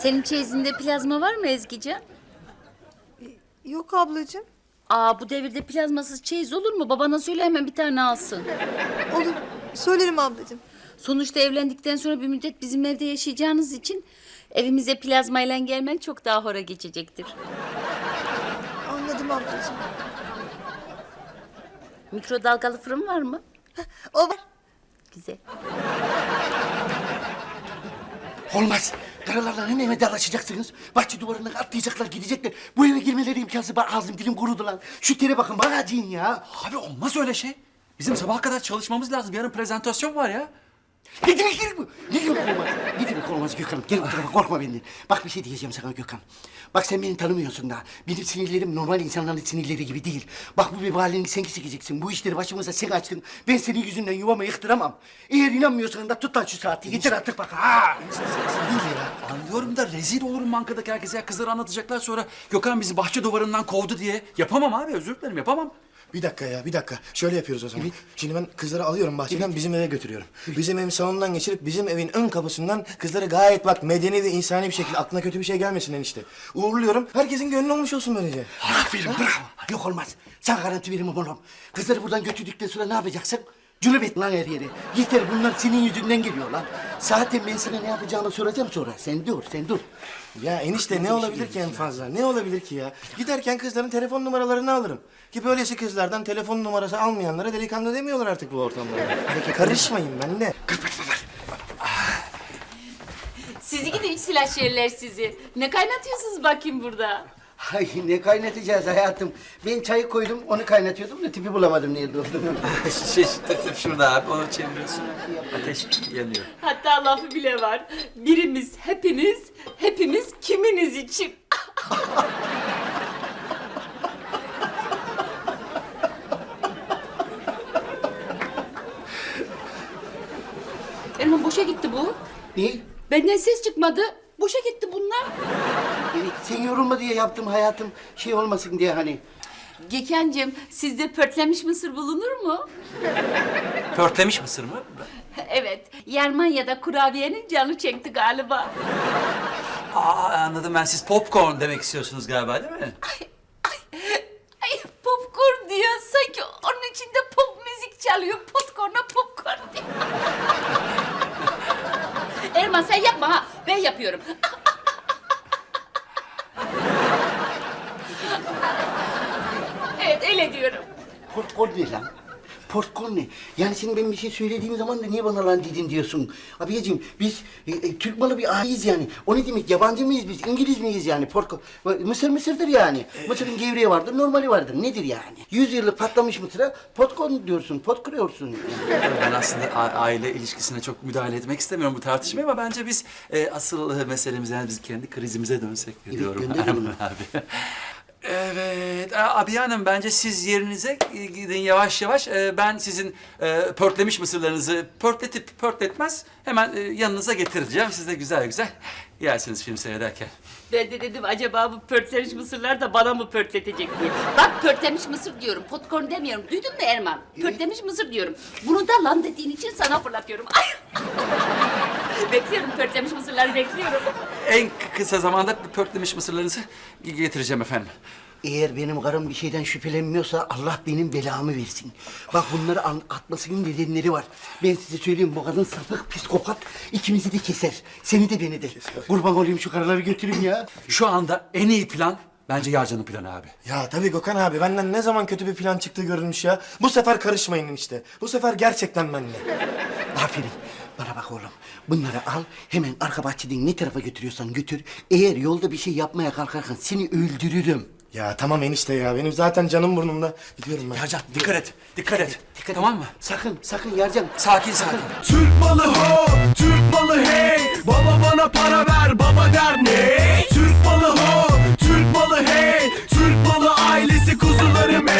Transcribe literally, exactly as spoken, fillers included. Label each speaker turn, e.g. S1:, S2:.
S1: Senin çeyizinde plazma var mı Ezgican?
S2: Yok ablacığım.
S1: Aa, bu devirde plazmasız çeyiz olur mu? Babana söyle hemen bir tane alsın.
S2: Olur. Söylerim ablacığım.
S1: Sonuçta evlendikten sonra bir müddet bizim evde yaşayacağınız için evimize plazmayla gelmen çok daha hora geçecektir.
S2: Anladım ablacığım.
S1: Mikrodalgalı fırın var mı?
S2: O var.
S1: Güzel.
S3: Olmaz. Karalarla hemen eve dalaşacaksınız. Bahçe duvarından atlayacaklar, gidecekler. Bu eve girmeleri imkansız. Bak ağzım dilim kurudu lan. Şu tere bakın, bana acıyın ya.
S4: Abi olmaz öyle şey. Bizim sabaha kadar çalışmamız lazım. Yarın prezentasyon var ya.
S3: Ne demek değil bu? Ne demek olmaz? Ne demek olmaz Gökhan'ım? Gel bu tarafa, korkma benden. Bak bir şey diyeceğim sana Gökhan. Bak sen beni tanımıyorsun daha. Benim sinirlerim normal insanların sinirleri gibi değil. Bak bu vebalini sen keseceksin. Bu işleri başımıza sen açtın. Ben senin yüzünden yuvamı yıktıramam. Eğer inanmıyorsan da tut lan şu saati. Getir artık bak. Ha!
S4: Değil ya. Anlıyorum da rezil olurum bankadaki herkese. Ya kızları anlatacaklar sonra Gökhan bizi bahçe duvarından kovdu diye. Yapamam abi, özür dilerim, yapamam.
S5: Bir dakika ya, bir dakika. Şöyle yapıyoruz o zaman. Şimdi ben kızları alıyorum bahçeden, bizim eve götürüyorum. Bizim evin salonundan geçirip bizim evin ön kapısından kızları gayet bak medeni ve insani bir şekilde, aklına kötü bir şey gelmesin enişte. Uğurluyorum. Herkesin gönlü olmuş olsun böylece.
S3: Aferin, bravo. Yok olmaz. Sen garanti verimim oğlum. Kızları buradan götürdükten sonra ne yapacaksın? Cünüp et lan her yere. Yeter, bunlar senin yüzünden geliyor lan. Zaten ben sana ne yapacağını soracağım sonra. Sen dur, sen dur.
S5: Ya enişte ne olabilir ki en fazla? Ne olabilir ki ya? Giderken kızların telefon numaralarını alırım. Ki böylesi kızlardan telefon numarası almayanlara delikanlı demiyorlar artık bu ortamda. Peki karışmayın ben de.
S1: Sizi gidi üç silah şerler sizi. Ne kaynatıyorsunuz bakayım burada?
S3: Ay ne kaynatacağız hayatım? Ben çayı koydum, onu kaynatıyordum da tipi bulamadım nerede olduğunu.
S4: şey, şurada abi, onu çeviriyorsun. Ateş yanıyor.
S1: Hatta lafı bile var. Birimiz hepiniz, hepimiz kiminiz için. Erman boşa gitti bu.
S3: Ne?
S1: Benden ses çıkmadı. Boşa gitti bunlar.
S3: Evet, sen yorulma diye yaptım hayatım. Şey olmasın diye hani.
S1: Gökhan'cığım sizde pörtlemiş mısır bulunur mu?
S4: Pörtlemiş mısır mı?
S1: Evet. Yerman ya da kurabiyenin canı çekti galiba.
S4: Aa, anladım ben. Siz popcorn demek istiyorsunuz galiba, değil mi?
S1: Ay, ay, ay popcorn diyor. Sanki onun içinde pop müzik çalıyor. Popcorn'a popcorn diyor. Erman sen yapma ha. Ben yapıyorum. Evet öyle diyorum.
S3: Popcorn ne lan? Popcorn ne? Yani şimdi ben bir şey söylediğim zaman da niye bana lan dedin diyorsun? Abiyeciğim biz e, e, Türk malı bir aileyiz yani. O ne demek? Yabancı mıyız biz? İngiliz miyiz yani? Popcorn. Mısır mısırdır yani. Mısırın gevreği vardır, normali vardır. Nedir yani? Yüz yıllık patlamış mısıra popcorn diyorsun, pot kırıyorsun. Yani.
S4: Ben aslında a- aile ilişkisine çok müdahale etmek istemiyorum bu tartışmaya ama bence biz e, asıl e, meselemiz yani biz kendi krizimize dönsek
S3: Evet,
S4: diyorum.
S3: gönderelim onu.
S4: abi. Evet, a- abi hanım bence siz yerinize gidin yavaş yavaş. E, ben sizin e, pörtlemiş mısırlarınızı pörtletip pörtletmez hemen e, yanınıza getireceğim. Siz de güzel güzel yersiniz film seyrederken.
S1: Ben de dedim acaba bu pörtlemiş mısırlar da bana mı pörtletecek diye. Bak pörtlemiş mısır diyorum, popcorn demiyorum. Duydun mu Erman? Pörtlemiş mısır diyorum. Bunu da lan dediğin için sana fırlatıyorum. Ay! Bekliyorum pörtlemiş mısırları bekliyorum.
S4: En kısa zamanda pörtlemiş mısırlarınızı getireceğim efendim.
S3: Eğer benim karım bir şeyden şüphelenmiyorsa Allah benim belamı versin. Bak bunları an- atmasının nedenleri var. Ben size söyleyeyim, bu kadın sapık, psikopat. İkimizi de keser. Seni de beni de. Kurban olayım şu karıları götürün ya.
S4: Şu anda en iyi plan bence Yarcan'ın planı abi.
S5: Ya tabii Gökhan abi, benden ne zaman kötü bir plan çıktığı görülmüş ya. Bu sefer karışmayın enişte. Bu sefer gerçekten benimle.
S3: Aferin. Bana bak oğlum. Bunları al, hemen arka bahçeden ne tarafa götürüyorsan götür. Eğer yolda bir şey yapmaya kalkarsan seni öldürürüm.
S5: Ya tamam enişte ya, benim zaten canım burnumda. Gidiyorum ben.
S4: Yarcan dikkat et, dikkat et.
S3: Dikkat
S4: Tamam
S3: et.
S4: mı?
S3: Sakın, sakın Yarcan.
S4: Sakin sakin.
S6: Türk malı ho, Türk malı hey. Baba bana para ver.